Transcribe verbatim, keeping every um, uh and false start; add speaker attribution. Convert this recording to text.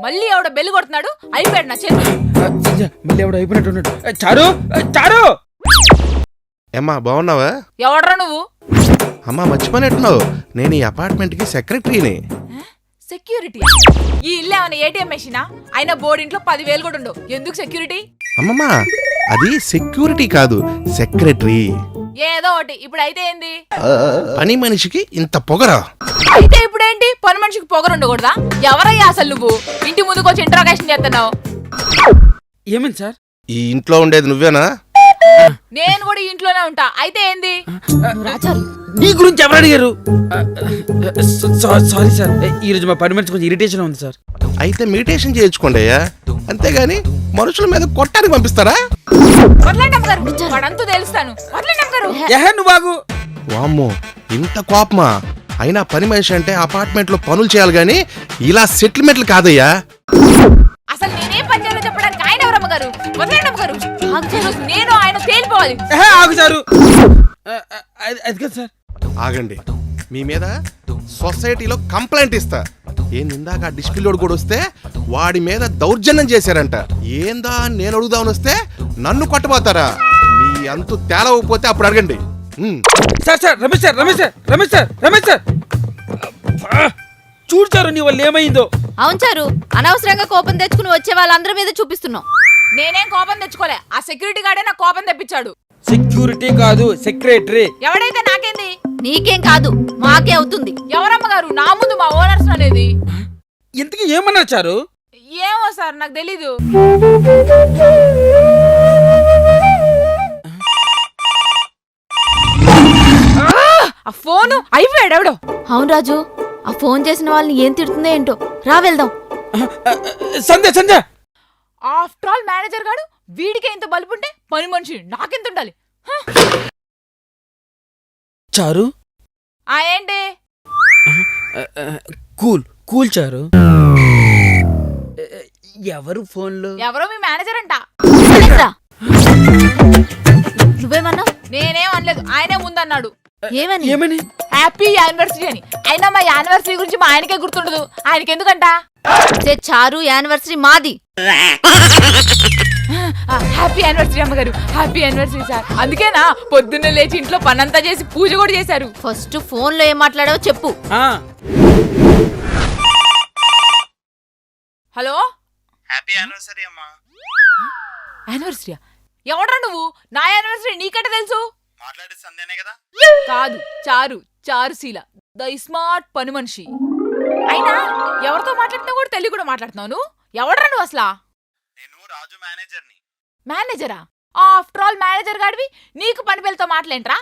Speaker 1: మళ్ళీ ఎవడో బెల్లు కొడుతున్నాడు. అయిపోయాడు నా చేతి.
Speaker 2: మళ్ళీ ఎవడో అయిపోయినట్టు. చారు చారు
Speaker 3: ఏమ్మా బాగున్నావా?
Speaker 1: ఎవడ్రా నువ్వు?
Speaker 3: అమ్మా మర్చిపోయినట్టున్నావు, నేను ఈ అపార్ట్మెంట్ కి సెక్రటరీని.
Speaker 1: సెక్యూరిటీ? ఈ ఇల్లు ఏమైనా ఏటీఎం మెషినా? అయినా బోర్డింట్లో పదివేలు కూడా ఉండవు, ఎందుకు సెక్యూరిటీ?
Speaker 3: అమ్మమ్మా అది సెక్యూరిటీ కాదు, సెక్రటరీ.
Speaker 1: ఏదో ఒకటి. ఇప్పుడు అయితే ఏంది?
Speaker 3: పని మనిషికి ఇంత పొగరా?
Speaker 1: అయితే ఇప్పుడేంటి? పని మనిషికి పొగరు ఉండకూడదా? ఎవరయ్యా అసలు నువ్వు? ఇంటి ముందుకు వచ్చి ఇంట్రాగేషన్ చేస్తున్నావు.
Speaker 2: ఏమైంది సార్?
Speaker 3: ఈ ఇంట్లో ఉండేది నువ్వేనా?
Speaker 1: నేను కూడా ఇంట్లోనే ఉంటా. అయితే ఏంది?
Speaker 2: నీ గురించి ఎవరు అడిగారు? సారీ సార్, ఈ రోజు మా పని మనిషి కొంచెం ఇరిటేషన్ ఉంది సార్.
Speaker 3: అయితే మెడిటేషన్ చేయించుకోండి అయ్యా, అంతేగాని మనుషుల మీద కొట్టానికి పంపిస్తారా?
Speaker 1: వాడంతా తెలుస్తాను.
Speaker 2: నువ్వు బాగు.
Speaker 3: వామ్మో ఇంత కోపమా? అయినా పని మనిషి అంటే అపార్ట్మెంట్ లో పనులు చేయాలి గాని ఇలా సెటిల్మెంట్లు కాదయ్యా.
Speaker 1: అసలు నేనేం పని చేయాలో చెప్పడానికి ఆయన ఎవరమ్మ గారు? వదలండి అమ్మ గారు. నేను ఆయన తేలిపోవాలి.
Speaker 2: ఆగు సారు. అది కదా సార్.
Speaker 3: ఆగండి, మీ మీద సొసైటీలో కంప్లైంట్ ఇస్తా. ఏంది ఇందాక డిస్ప్లేలోడు కూడా వస్తే వాడి మీద దౌర్జన్యం చేశారంట. ఏందా నేను అడుగుదామని వస్తే నన్ను కొట్టబోతారా? మీ అంతు తేలవకపోతే అప్పుడు అడగండి.
Speaker 2: Sir sir Ramesh sir Ramesh sir Ramesh sir Ramesh sir చూడు సారు నీ వల్ల ఏమైందో.
Speaker 4: అవును సారు, అనవసరంగా కోపం తెచ్చుకుని వచ్చే వాళ్ళందరి మీద చూపిస్తున్నావు.
Speaker 1: నేనేం కోపం తెచ్చుకోలే, ఆ సెక్యూరిటీ గార్డే నాకు కోపం తెప్పించాడు.
Speaker 2: సెక్యూరిటీ కాదు సెక్రటరీ.
Speaker 1: ఎవడైతే నాకేంది?
Speaker 4: నీకేం కాదు మాకే అవుతుంది.
Speaker 1: ఎవరమ్మ గారు నా ముందు మా ఓనర్స్ అనేది?
Speaker 2: ఇంతకీ ఏమన్నారు చారు?
Speaker 1: ఏమో సార్ నాకు తెలీదు. ఆ ఫోను అయిపోయాడు ఎవడో.
Speaker 4: అవును రాజు, ఆ ఫోన్ చేసిన వాళ్ళని ఏం తిడుతుందో ఏంటో. రా వెళ్దాం.
Speaker 2: Sandhya Sandhya
Speaker 1: after all manager గాడు వీడికే ఇంత బలుపుంటే పని మనిషి నాకెంత ఉండాలి?
Speaker 2: చారు
Speaker 1: ఆ ఏంటి?
Speaker 2: కూల్ కూల్ చారు. ఎవరు ఫోన్లో?
Speaker 1: ఎవరో మీ మేనేజర్ అంట.
Speaker 4: నువ్వేమన్నా?
Speaker 1: నేనేం అనలేదు, ఆయనే ముందన్నాడు.
Speaker 4: ఏమని?
Speaker 2: ఏమని?
Speaker 1: హ్యాపీ యానివర్సరీ అని. అయినా మా యానివర్సరీ గురించి మా ఆయనకే గుర్తుండదు, ఆయనకి ఎందుకంట?
Speaker 4: చారు యానివర్సరీ మాది.
Speaker 1: హ్యాపీ యానివర్సరీ అమ్మగారు, హ్యాపీ యానివర్సరీ సార్. అందుకేనా పొద్దున్నే లేచి ఇంట్లో పనంతా చేసి పూజ కూడా చేశారు.
Speaker 4: ఫస్ట్ ఫోన్ లో ఏం మాట్లాడావో చెప్పు.
Speaker 1: హలో,
Speaker 5: హ్యాపీ యానివర్సరీ అమ్మా.
Speaker 1: యానివర్సరీ? ఎవడ్రా నువ్వు? నా యానివర్సరీ నీకంటే తెలుసు?
Speaker 5: మాట్లాడే సందేనే కదా?
Speaker 1: కాదు, చారు చారుశీల ద స్మార్ట్ పని మనిషి. అయినా ఎవరితో మాట్లాడుతున్నా కూడా తెలుగు కూడా మాట్లాడుతున్నావు. ఎవడ్రా నువ్వు అసలా?
Speaker 5: నేను రాజు మేనేజర్ని.
Speaker 1: మేనేజరా? ఆఫ్టర్ ఆల్ మేనేజర్ గాడివి నీకు పని పిల్లతో మాట్లాడేంట్రా?